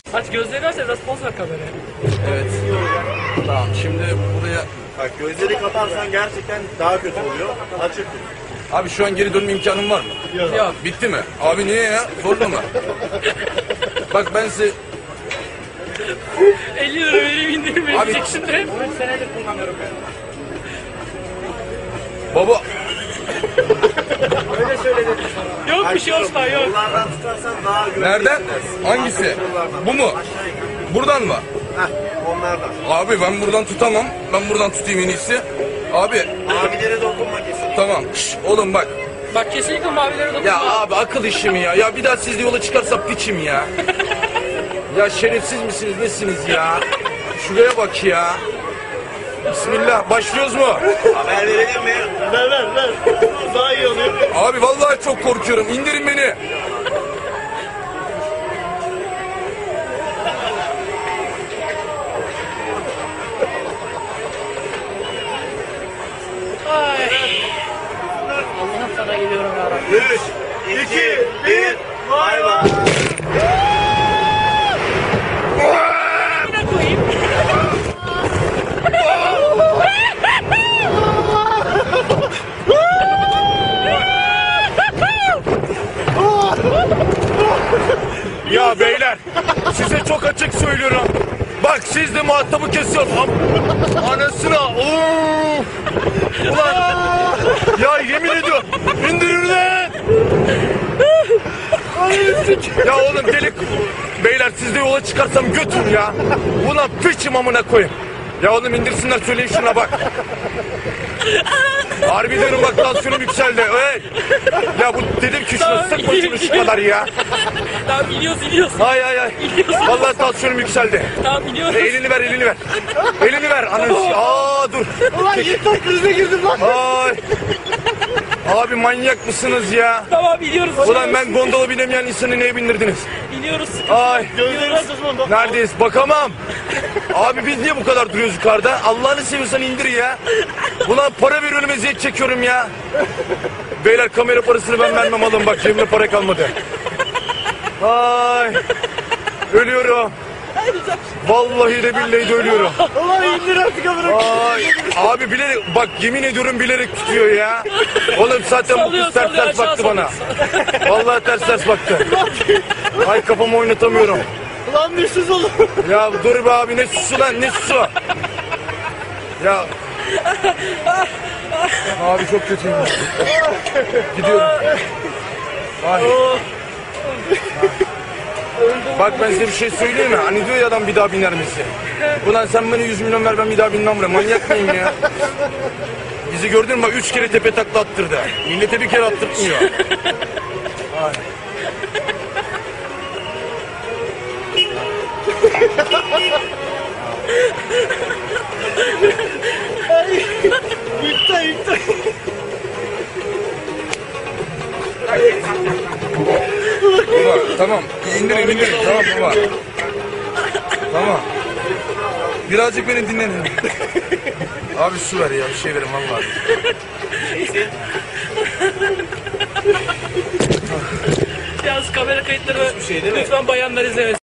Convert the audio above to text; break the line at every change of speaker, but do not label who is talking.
Aç gözlerini aç biraz poz ver kameraya.
Evet. Tamam şimdi buraya...
Bak gözleri kaparsan gerçekten daha kötü oluyor. Açık tut.
Abi şu an geri dönme imkanım var mı?
Yok.
Bitti mi? Abi niye ya? Zorla mı? Bak ben size...
50 lira vereyim indirim
Abi-
verecek şimdi. 3 senedir kullanıyorum ben.
Baba...
Öyle söyledim sana. Yok bir şey olsun yok.
Kollardan tutarsan daha güvenli
Nereden?
hissedersin.
Hangisi?
Kollardan.
Bu mu?
Aşağı yukarı.
Buradan mı?
Heh, onlardan.
Abi ben buradan tutamam. Ben buradan tutayım en iyisi. Abi
Abilere dokunma kesin.
tamam. Şş, oğlum bak.
Bak kesinlikle mavilere dokunma.
Ya abi akıl işi mi ya? Ya bir daha sizle yola çıkarsak piçim ya. Ya şerefsiz misiniz nesiniz ya? Şuraya bak ya. Bismillah başlıyoruz mu?
Haber verelim mi? Ver. Daha iyi oluyor.
Abi vallahi çok korkuyorum. İndirin beni.
Ay. Allah'ım sana geliyorum yarabbim.
3, 2, 1, bay bay.
Yine koyayım.
Ya beyler size çok açık söylüyorum. Bak siz de muhatabı kesiyorsunuz. Anasına. Oo. Ulan. Ya yemin ediyorum. İndirin lan. Ya oğlum delik. Beyler siz de yola çıkarsam götür ya. Ulan piçim amına koyayım. Ya oğlum indirsinler söyleyin şuna bak. Harbi diyorum bak tansiyonum yükseldi. Hey. Ya bu dedim ki şuna sıkma şunu şu kadar ya.
Tamam iniyoruz.
Ay. Vallahi tansiyonum yükseldi.
Tamam iniyoruz.
Elini ver. Elini ver. Ananı. Aa dur.
Ulan yırtak krize girdim lan.
Ay. Abi manyak mısınız ya?
Tamam iniyoruz.
Ulan ben gondola binemeyen insanı neye bindirdiniz?
İniyoruz.
Ay.
İniyoruz.
Neredeyiz? Bakamam. Abi biz niye bu kadar duruyoruz yukarıda? Allah'ını seviyorsan indir ya. Ulan para veriyorum eziyet çekiyorum ya. Beyler kamera parasını ben vermem alın bak cebimde para kalmadı. Ay. Ölüyorum. Vallahi de billahi de ölüyorum.
Ulan indir artık amına.
Ay. Abi bilerek bak yemin ediyorum bilerek tutuyor ya. Oğlum zaten bu
Sallıyor,
kız ters
sallıyor,
ters baktı
aşağı
bana. Vallahi ters baktı. Ay kafamı oynatamıyorum.
Ulan düşsüz oğlum.
Ya dur be abi ne susu lan ne susu. Ya. Abi çok kötüyüm. Gidiyorum. Ay. Bak ben size bir şey söyleyeyim mi? Hani diyor ya adam bir daha biner misin? Ulan sen bana 100 milyon ver ben bir daha binmem buraya. Manyak mıyım ya? Bizi gördün mü bak 3 kere tepe takla attırdı. Millete bir kere attırtmıyor. Ay.
Yırtak.
Baba tamam indirin tamam baba. Tamam. Birazcık beni dinlenin. Abi su ver ya bir şey verin vallahi.
Yalnız kamera kayıtları
şey değil mi?
lütfen bayanlar izlemesin.